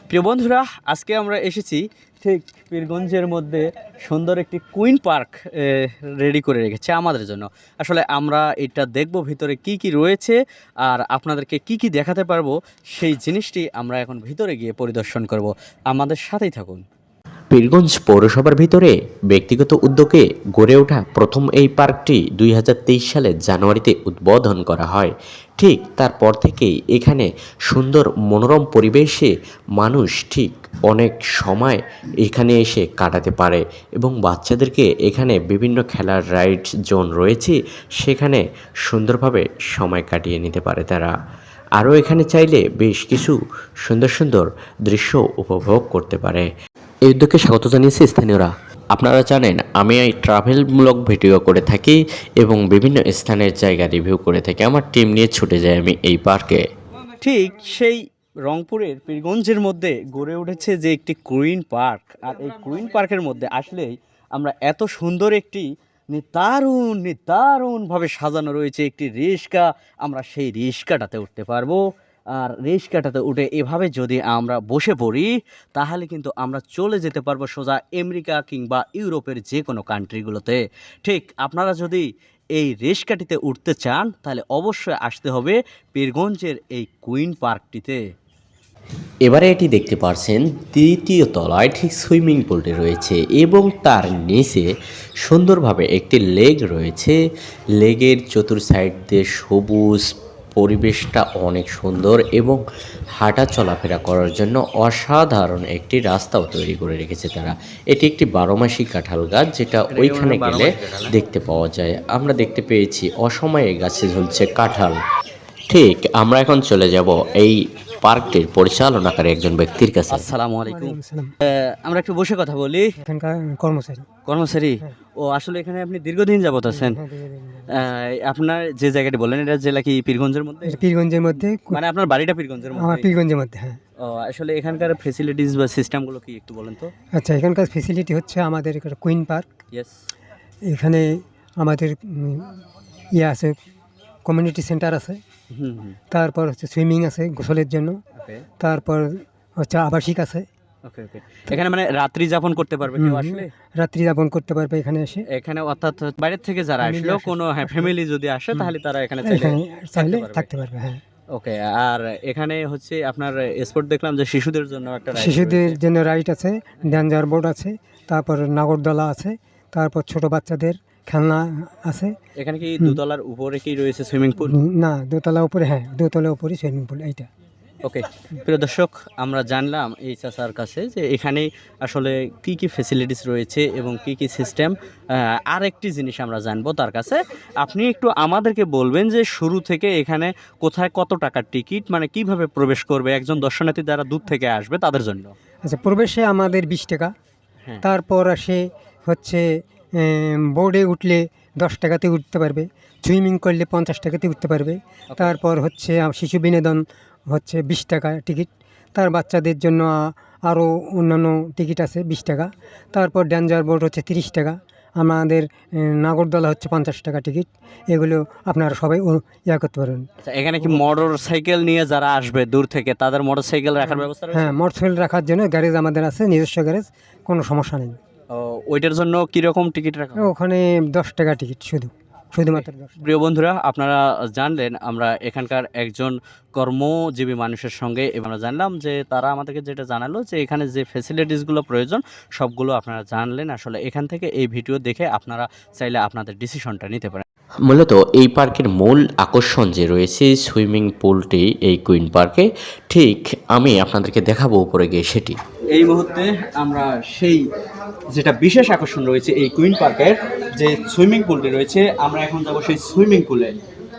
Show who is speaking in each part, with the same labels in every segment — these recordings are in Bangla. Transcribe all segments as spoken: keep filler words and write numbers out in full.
Speaker 1: প্রিয় বন্ধুরা, আজকে আমরা এসেছি ঠিক পীরগঞ্জের মধ্যে সুন্দর একটি কুইন পার্ক রেডি করে রেখেছে আমাদের জন্য। আসলে আমরা এটা দেখব ভিতরে কি কি রয়েছে আর আপনাদেরকে কি কি দেখাতে পারবো, সেই জিনিসটি আমরা এখন ভিতরে গিয়ে পরিদর্শন করব। আমাদের সাথেই থাকুন।
Speaker 2: পীরগঞ্জ পৌরসভার ভিতরে ব্যক্তিগত উদ্যোগে গড়ে ওঠা প্রথম এই পার্কটি দুই হাজার তেইশ সালের জানুয়ারিতে উদ্বোধন করা হয়। ঠিক তারপর থেকেই এখানে সুন্দর মনোরম পরিবেশে মানুষ ঠিক অনেক সময় এখানে এসে কাটাতে পারে এবং বাচ্চাদেরকে এখানে বিভিন্ন খেলার রাইড জোন রয়েছে, সেখানে সুন্দরভাবে সময় কাটিয়ে নিতে পারে তারা। আরও এখানে চাইলে বেশ কিছু সুন্দর সুন্দর দৃশ্য উপভোগ করতে পারে। এই উদ্যোগকে স্বাগত জানিয়েছে স্থানীয়রা। আপনারা জানেন আমি এই ট্রাভেলমূলক ভিডিও করে থাকি এবং বিভিন্ন স্থানের জায়গা রিভিউ করে থাকি। আমার টিম নিয়ে ছুটে যাই আমি এই পার্কে।
Speaker 1: ঠিক সেই রংপুরের পীরগঞ্জের মধ্যে গড়ে উঠেছে যে একটি কুইন পার্ক, আর এই কুইন পার্কের মধ্যে আসলেই আমরা এত সুন্দর একটি নিদারুণ নিদারুণভাবে সাজানো রয়েছে একটি রিক্সা, আমরা সেই রিক্সাটাতে উঠতে পারবো। আর রিক্সাটাতে উঠে এভাবে যদি আমরা বসে পড়ি তাহলে কিন্তু আমরা চলে যেতে পারবো সোজা আমেরিকা কিংবা ইউরোপের যে কোনো কান্ট্রিগুলোতে। ঠিক আপনারা যদি এই রিক্সাটিতে উঠতে চান তাহলে অবশ্যই আসতে হবে পীরগঞ্জের এই কুইন পার্কটিতে।
Speaker 2: এবারে এটি দেখতে পাচ্ছেন তৃতীয় তলায় ঠিক সুইমিং পুলটি রয়েছে এবং তার নিচে সুন্দরভাবে একটি লেক রয়েছে। লেগের চতুর সাইড দিয়ে সবুজ পরিবেশটা অনেক সুন্দর এবং হাঁটা চলাফেরা করার জন্য অসাধারণ একটি রাস্তাও তৈরি করে রেখেছে তারা। এটি একটি বারোমাসি কাঁঠাল গাছ, যেটা ওইখানে গেলে দেখতে পাওয়া যায়। আমরা দেখতে পেয়েছি অসময়ে গাছে ঝুলছে কাঁঠাল। ঠিক আমরা এখন চলে যাব এই পার্কটির পরিচালনাকারী একজন ব্যক্তির কাছে।
Speaker 1: আসসালামু আলাইকুম। আহ, আমরা একটু বসে কথা বলি।
Speaker 3: এখানকার কর্মচারী।
Speaker 1: কর্মচারী? ও আসলে এখানে আপনি দীর্ঘদিন যাবত আছেন? আহ, আপনার যে জায়গাটি বললেন এটা জেলা কি পীরগঞ্জের মধ্যে?
Speaker 3: এটা পীরগঞ্জের মধ্যে,
Speaker 1: মানে আপনার বাড়িটা পীরগঞ্জের
Speaker 3: আমার
Speaker 1: মধ্যে?
Speaker 3: পীরগঞ্জের মধ্যে, হ্যাঁ।
Speaker 1: ও আসলে এখানকার ফেসিলিটিস বা সিস্টেমগুলো কি একটু বলেন তো।
Speaker 3: আচ্ছা, এখানকার ফেসিলিটি হচ্ছে আমাদের একটা কুইন পার্ক।
Speaker 1: ইয়েস।
Speaker 3: এখানে আমাদের উম, ইয়ে আছে, কমিউনিটি সেন্টার আছে,
Speaker 1: হুম হুম।
Speaker 3: তারপর হচ্ছে সুইমিং আছে গোসলের জন্য,
Speaker 1: ওকে
Speaker 3: তারপর হচ্ছে আবাসিক আছে।
Speaker 1: ওকে ওকে। এখানে মানে রাত্রি যাপন করতে পারবে কেউ
Speaker 3: হুম,
Speaker 1: আসলে?
Speaker 3: রাত্রি যাপন করতে পারবে এখানে এসে।
Speaker 1: এখানে অর্থাৎ বাইরের থেকে যারা
Speaker 3: Family
Speaker 1: আসলো,
Speaker 3: আসে।
Speaker 1: কোনো হ্যাঁ ফ্যামিলি যদি আসে তাহলে তারা এখানে চাইলে
Speaker 3: এখানে চাইলে
Speaker 1: পারবে।
Speaker 3: থাকতে পারবে, হ্যাঁ।
Speaker 1: ওকে। আর এখানে হচ্ছে আপনার স্পোর্ট দেখলাম যে শিশুদের জন্য একটা রাইড
Speaker 3: শিশুদের
Speaker 1: রয়েছে।
Speaker 3: জন্য রাইড আছে, ডেঞ্জার বোর্ড আছে, তারপর নাগরদোলা আছে, তারপর ছোট বাচ্চাদের খেলনা আছে।
Speaker 1: এখানে কি দোতলার উপরে কি রয়েছে সুইমিং পুল?
Speaker 3: উম, না, দোতলা উপরে, হ্যাঁ, দোতলা উপরে সুইমিং পুল এইটা।
Speaker 1: ওকে। প্রিয় দর্শক, আমরা জানলাম এই চাচার কাছে যে এখানে আসলে কি কি ফেসিলিটিস রয়েছে এবং কি কি সিস্টেম। আর একটি জিনিস আমরা জানবো তার কাছে, আপনি একটু আমাদেরকে বলবেন যে শুরু থেকে এখানে কোথায় কত টাকার টিকিট, মানে কিভাবে প্রবেশ করবে একজন দর্শনার্থী যারা দূর থেকে আসবে তাদের জন্য?
Speaker 3: আচ্ছা, প্রবেশে আমাদের বিশ টাকা।
Speaker 1: হ্যাঁ।
Speaker 3: তারপর আসে হচ্ছে বোর্ডে উঠলে দশ টাকাতে উঠতে পারবে, সুইমিং করলে পঞ্চাশ টাকাতে উঠতে পারবে। তারপর হচ্ছে আ, শিশু বিনোদন হচ্ছে বিশ টাকা টিকিট। তার বাচ্চাদের জন্য আ- আরও অন্যান্য টিকিট আছে বিশ টাকা। তারপর ডেঞ্জার বোর্ড হচ্ছে তিরিশ টাকা। আমাদের এ, নাগরদোলা হচ্ছে পঞ্চাশ টাকা টিকিট। এগুলো আপনারা সবাই ও- ইয়া করতে পারবেন।
Speaker 1: আচ্ছা, এখানে কি মোটর সাইকেল নিয়ে যারা আসবে দূর থেকে তাদের মোটর সাইকেল রাখার ব্যবস্থা রয়েছে?
Speaker 3: হ্যাঁ, মোটরসাইকেল রাখার জন্য গ্যারেজ আমাদের আছে, নিজস্ব গ্যারেজ, কোনো সমস্যা নেই।
Speaker 1: ও, ওইটার জন্য কিরকম টিকিট রাখা হয়?
Speaker 3: ওখানে দশ টাকা টিকিট, শুধু শুধুমাত্র দশ টাকা।
Speaker 1: প্রিয় বন্ধুরা, আপনারা জানলেন আমরা এখানকার একজন কর্মজীবী মানুষের সঙ্গে আমরা জানলাম যে তারা আমাদেরকে যেটা জানালো যে এখানে যে ফেসিলিটিসগুলো প্রয়োজন সবগুলো আপনারা জানলেন। আসলে এখান থেকে এই ভিডিও দেখে আপনারা চাইলে আপনাদের ডিসিশনটা নিতে পারেন।
Speaker 2: মূলত এই পার্কের মূল আকর্ষণ যে রয়েছে সুইমিং পুলটি এই কুইন পার্কে, ঠিক আমি আপনাদেরকে দেখাবো উপরে গিয়ে সেটি।
Speaker 1: এই মুহূর্তে আমরা সেই যেটা বিশেষ আকর্ষণ রয়েছে এই কুইন পার্কের যে সুইমিং পুলটি রয়েছে, আমরা এখন যাবো সেই সুইমিং পুলে।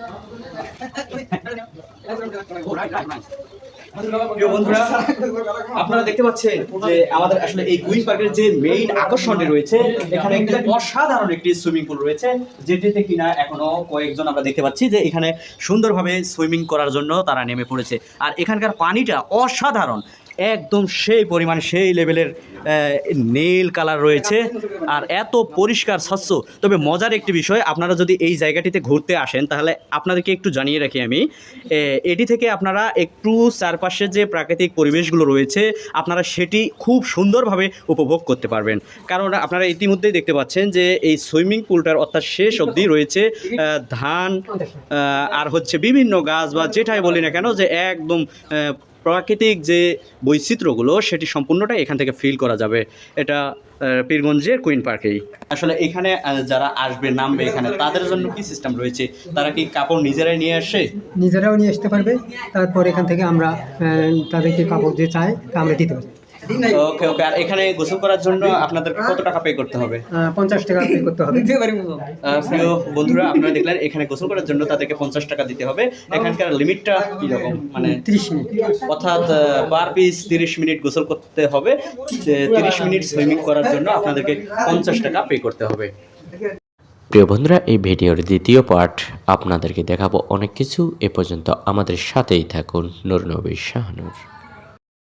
Speaker 1: প্রিয় বন্ধুরা, আপনারা দেখতে পাচ্ছেন যে আমাদের আসলে এই কুইন পার্কের যে মেইন আকর্ষণটি রয়েছে, এখানে একটি অসাধারণ একটি সুইমিং পুল রয়েছে, যেটিতে কিনা এখনো কয়েকজন আমরা দেখতে পাচ্ছি যে এখানে সুন্দরভাবে সুইমিং করার জন্য তারা নেমে পড়েছে। আর এখানকার পানিটা অসাধারণ। একদম সেই পরিমাণ সেই লেভেলের নীল কালার রয়েছে আর এত পরিষ্কার স্বচ্ছ। তবে মজার একটি বিষয়, আপনারা যদি এই জায়গাটিতে ঘুরতে আসেন তাহলে আপনাদেরকে একটু জানিয়ে রাখি আমি, এ, এটি থেকে আপনারা একটু চারপাশে যে প্রাকৃতিক পরিবেশগুলো রয়েছে আপনারা সেটি খুব সুন্দরভাবে উপভোগ করতে পারবেন। কারণ আপনারা ইতিমধ্যেই দেখতে পাচ্ছেন যে এই সুইমিং পুলটার অর্থাৎ শেষ অবধি রয়েছে আহ, ধান আহ, আর হচ্ছে বিভিন্ন গাছ বা যেটাই বলি না কেন, যে একদম আহ, প্রাকৃতিক যে বৈচিত্র্যগুলো সেটি সম্পূর্ণটাই এখান থেকে ফিল করা যাবে। এটা আহ, পীরগঞ্জের কুইন পার্কেই। আসলে এখানে আহ, যারা আসবে নামবে এখানে তাদের জন্য কি সিস্টেম রয়েছে? তারা কি কাপড় নিজেরাই নিয়ে আসে?
Speaker 3: নিজেরাও নিয়ে আসতে পারবে, তারপর এখান থেকে আমরা আহ, তাদেরকে কাপড় যে চাই তা আমরা দিতে পারি।
Speaker 1: ওকে ওকে। আর এখানে গোসল করার জন্য আপনাদের কত টাকা পে করতে হবে?
Speaker 3: আহ, পঞ্চাশ টাকা পে করতে হবে।
Speaker 1: আহ, প্রিয় বন্ধুরা, আপনারা দেখলেন এখানে গোসল করার জন্য তাদেরকে পঞ্চাশ টাকা দিতে হবে। এখানকার লিমিটটা কীরকম, মানে
Speaker 3: ত্রিশ মিনিট।
Speaker 1: অর্থাৎ পার পিস তিরিশ মিনিট গোসল করতে হবে, তিরিশ মিনিট সুইমিং করার জন্য আপনাদেরকে পঞ্চাশ টাকা পে করতে হবে।
Speaker 2: প্রিয় বন্ধুরা, এই ভিডিওর দ্বিতীয় পার্ট আপনাদেরকে দেখাবো অনেক কিছু। এ পর্যন্ত আমাদের সাথেই থাকুন। নূর নবী শাহনূর।